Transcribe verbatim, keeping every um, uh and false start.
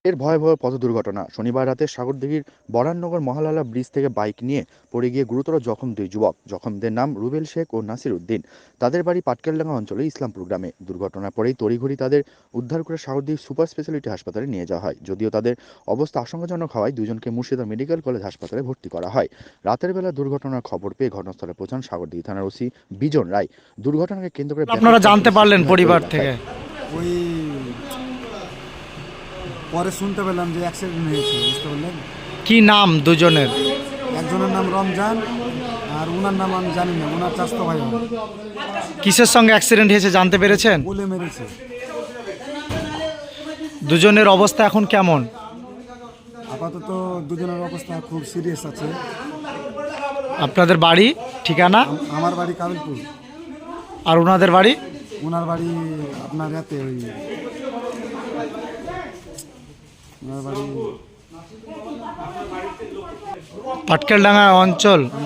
এর ভয়াবহ পথ দুর্ঘটনা। শনিবার রাতে সাগরদিঘির বরাননগর মহালালা ব্রিজ থেকে বাইক নিয়ে পড়ে গিয়ে গুরুতর জখম দুই যুবক। জখমদের নাম রুবেল শেখ ও নাসির উদ্দিন। তাদের বাড়ি পাটকেলডাঙ্গা অঞ্চলে ইসলামপুর গ্রামে। দুর্ঘটনার পরেই তড়িঘড়ি তাদের উদ্ধার করে সাগরদিঘি সুপার স্পেশালিটি হাসপাতালে নিয়ে যাওয়া হয়। যদিও তাদের অবস্থা আশঙ্কাজনক হওয়ায় দুজনকে মুর্শিদা মেডিকেল কলেজ হাসপাতালে ভর্তি করা হয়। রাতের বেলা দুর্ঘটনার খবর পেয়ে ঘটনাস্থলে পৌঁছান সাগরদিঘি থানার ওসি বিজন রায়। দুর্ঘটনাকে কেন্দ্র করে আপনারা ব্যাপক জানতে চাঞ্চল্য পারলেন সৃষ্টি হয় ওই পরিবার এলাকায়। থেকে? ওই পরে শুনতে পেলাম যে অ্যাক্সিডেন্ট হয়েছে, বুঝতে পারলেন? কি নাম দুজনের? একজনের নাম রমজান আর ওনার নাম আমি জানি না, ওনার চাস্তো ভাই হবে। কিসের সঙ্গে অ্যাক্সিডেন্ট হয়েছে জানতে পেরেছেন? বলে মেরেছে। দুজনের অবস্থা এখন কেমন? আপাতত দুজনের অবস্থা খুব সিরিয়াস আছে। আপনাদের বাড়ি ঠিকানা? আম- আমার বাড়ি কাবিলপুর, আর ওনাদের বাড়ি? ওনার বাড়ি আপনার হাতে ওই ওনার বাড়ি পাটকেলডাঙ্গা অঞ্চল।